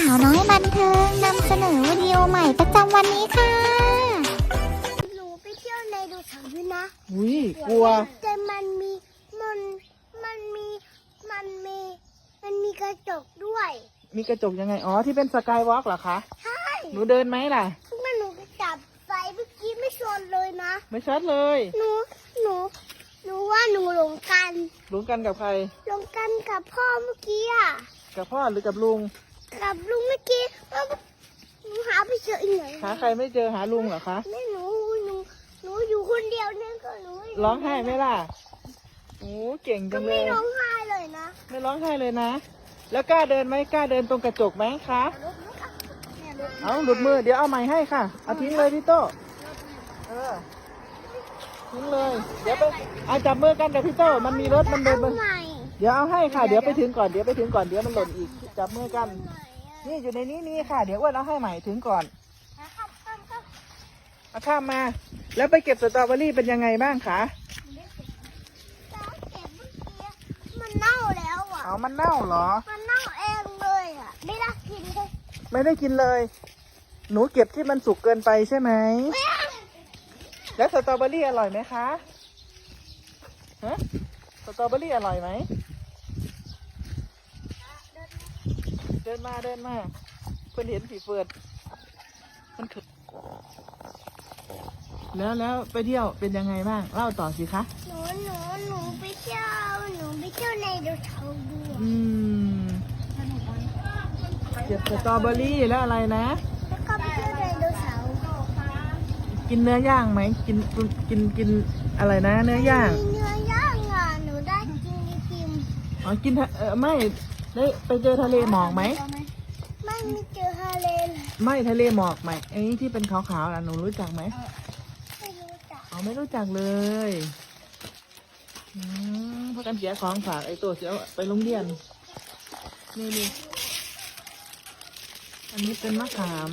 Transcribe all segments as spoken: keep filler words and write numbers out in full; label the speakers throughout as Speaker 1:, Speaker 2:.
Speaker 1: าวน้อยบันเทิงนำเสนอวิดีโอใหม่ประจำวันนี้ค่ะ
Speaker 2: หนูไปเที่ยวในดูเสาร์ด้วยนะ
Speaker 3: อุ้ยกลัว
Speaker 2: แต่มันมีมันมันมีมันมีมันมีกระจกด้วย
Speaker 3: มีกระจกยังไงอ๋อที่เป็นสกายวอล์กเหรอคะ
Speaker 2: ใช่
Speaker 3: หนูเดินไหมล่ะ
Speaker 2: เมื่อหนูไปจับไฟเมื่อกี้ไม่ชนเลยนะ
Speaker 3: ไม่ชัดเลย
Speaker 2: หนูหนูหนูว่าหนูหลงกัน
Speaker 3: หลงกันกับใคร
Speaker 2: หลงกันกับพ่อเมื่อกี้อ่ะ
Speaker 3: กับพ่อหรือกับลุง
Speaker 2: กับลุงเมื่อกี้แล้วหนูหาไปเจออีกไหน
Speaker 3: หาใครไม่เจอหาลุงเหรอคะ
Speaker 2: ไม่หนูหนูหนูอยู่คนเดียวเนี่ยก็หนู
Speaker 3: ร้องไห้ไหมล่ะโอ้เก่งจังเลย
Speaker 2: ไม่ร้องไห้เลยนะ
Speaker 3: ไม่ร้องไห้เลยนะแล้วกล้าเดินไหมกล้าเดินตรงกระจกไหมคะเอาหลุดมือเดี๋ยวเอาใหม่ให้ค่ะเอาทิ้งเลยพี่โต้เออทิ้งเลยเดี๋ยวไปเอาจับมือกันกับพี่โต้มันมีรถมันเดินมันเดี๋ยวเอาให้ค่ะเดี๋ยวไปถึงก่อนเดี๋ยวไปถึงก่อนเดี๋ยวมันหล่นอีกจับมือกันนี่อยู่ในนี้นี่ค่ะเดี๋ยวอ้วนเอาให้ใหม่ถึงก่อนเอาข้ามมาแล้วไปเก็บสตรอเบอรี่เป็นยังไงบ้างคะ
Speaker 2: มันเน่าแล้วอ่ะ
Speaker 3: เอามันเน่าเหรอ
Speaker 2: มันเน่าเองเลยอ่ะไม่ได้กินเลย
Speaker 3: ไม่ได้กินเลยหนูเก็บที่มันสุกเกินไปใช่ไหมแล้วสตรอเบอรี่อร่อยไหมคะฮะสตรอเบอรี่อร่อยไหมเดินมาเดินมาเพื่อนเห็นผีเฟิร์ดมันถึกแล้วแล้วไปเที่ยวเป็นยังไงบ้างเล่าต่อสิคะ
Speaker 2: หนูหนูหนูไปเที่ยวหนูไปเที่ยวในดูเสาร์ด้วย
Speaker 3: อืมเก็บสตรอเบอรี่แล้วอะไรนะ
Speaker 2: แล้วก็ไปเที่ยวในดูเสาร์
Speaker 3: กินเนื้อย่างไหมกินกินกินอะไรนะเนื้อย่าง
Speaker 2: เนื้อย่างอ่ะหนูได้กินไอติม
Speaker 3: อ๋อกินเออไม่ได้ไปเจอทะเลหมอกไหม
Speaker 2: ไม่มีเจอทะเล
Speaker 3: ไม่ทะเลหมอกไหมไอ้ที่เป็นขาวๆน่ะหนูรู้จักไหม
Speaker 2: ไม่รู้จัก
Speaker 3: อ๋อไม่รู้จักเลยอืมเพราะกันเสียของฝากไอ้ตัวเสียไปโรงเรียนนี่นี่อันนี้เป็นมะขาม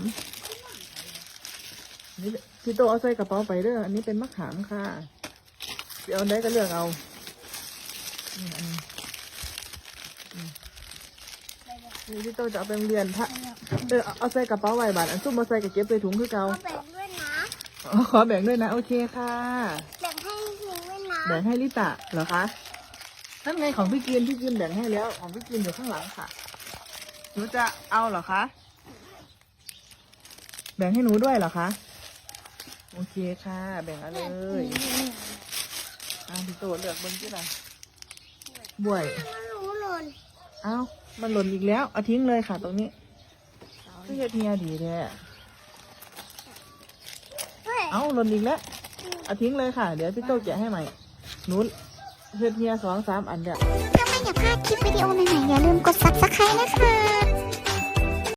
Speaker 3: นี่พี่โตเอาใส่กระเป๋าไปเด้ออันนี้เป็นมะขามค่ะไปเอาได้ก็เลือกเอานี่อันนี้นี่พี่โตจะเอาไปโรงเรียนพระเออเอาใส่กระเป๋าไว้บาทอันซุ่มมาใส่กับเก็บใส่ถุงคือเก่า
Speaker 2: แบ่งด้วยนะ
Speaker 3: ขอแบ่งด้วยนะโอเคค่ะ
Speaker 2: แบ่งให้ลิงด้วยนะ
Speaker 3: แบ่งให้ลิตะเหรอคะนั่นไงของพี่กินพี่กินแบ่งให้แล้วของพี่กินอยู่ข้างหลังค่ะหนูจะเอาเหรอคะแบ่งให้หนูด้วยเหรอคะโอเคค่ะแบ่งเอาเลยอ่าพี่โตเลือกบนที่ไหนบวยเอ้ามันหล่นอีกแล้วเอาทิ้งเลยค่ะตรงนี้พี่เทียดีแท้เอ้าหล่นอีกแล้วเอาทิ้งเลยค่ะเดี๋ยวพี่โตแกะให้ใหม่หนูเทียสองสามอันเดียว
Speaker 1: ถ้าไม่อยากพลาดคลิปวิดีโอใหม่ๆอย่าลืมกดซับสไครบ์นะคะ